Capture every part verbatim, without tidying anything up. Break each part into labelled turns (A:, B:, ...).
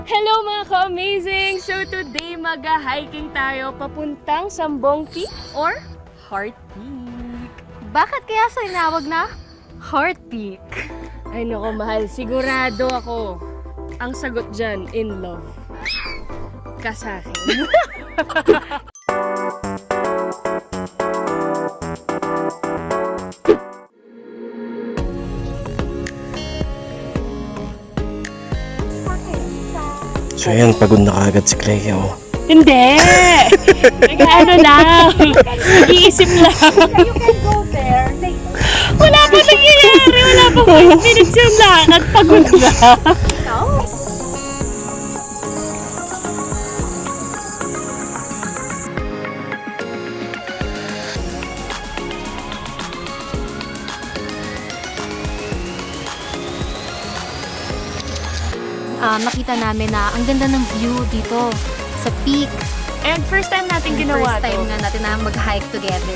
A: Hello mga ka-amazing! So today mag-hiking tayo papuntang Sambong Peak or Heart Peak.
B: Bakit kaya sa inawag na Heart Peak?
A: Ay nako mahal, sigurado ako ang sagot dyan, in love. Ka sa akin.
C: So yan, pagod na kagad si Clea, oh.
A: Hindi! Nag-ano lang. Nag-iisip lang.
B: You can go there later.
A: Wala pa nangyayari. Wala pa five minutes yung lakad. Pagod na.
B: Ikaw? Ah, makita namin na ang ganda ng view dito sa peak.
A: And first time natin ginawa
B: First time
A: to.
B: nga natin na mag-hike together.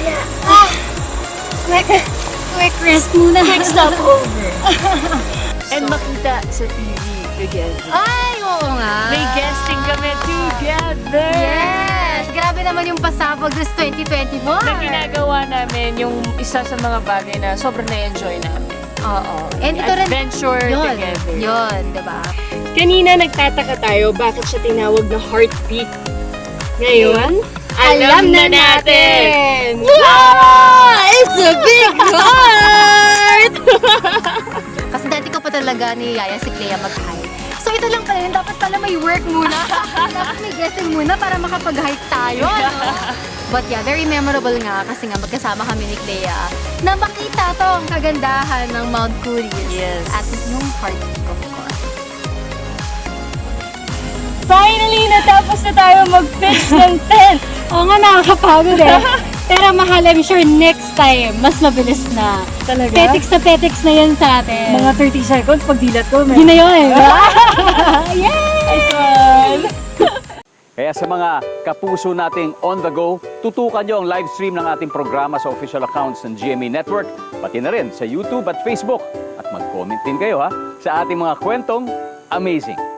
D: Quick, quick rest muna.
A: Quick stop over. And makita sa T V together.
B: Ay, oo nga.
A: May guesting kami together.
B: Yes! Grabe naman yung pasabog this twenty twenty-four.
A: Na ginagawa namin yung isa sa mga bagay na sobrang na-enjoy namin.
B: Oo. And ito rin,
A: Adventure
B: yun,
A: together.
B: yun, diba?
A: Kanina nagtataka tayo bakit siya tinawag na Heart Peak. Ngayon, alam, na natin!
B: Wow! It's a big heart! Kasi dati ko pa talaga ni Yaya si Clea mag-hike. So ito lang pala yun, dapat pala may work muna. Dapat may guessing muna para makapag-hike tayo, no? But yeah, very memorable nga kasi nga magkasama kami ni Clea na makita to ang kagandahan ng Mount Kuris.
A: Yes.
B: At yung Heart Peak, of course.
A: Finally, natapos na tayo mag-pitch ng tent!
D: Oo nga, nakakapagod eh. Pero mahal, I'm sure next time, mas mabilis na.
A: Talaga?
D: Petics na petics na yun sa atin.
A: Mga thirty seconds, pag dilat ko,
D: Yun na yun.
A: Nice one!
E: Kaya sa mga kapuso nating on the go, tutukan nyo ang live stream ng ating programa sa official accounts ng G M A Network, pati na rin sa YouTube at Facebook. At mag-comment din kayo ha sa ating mga kwentong amazing.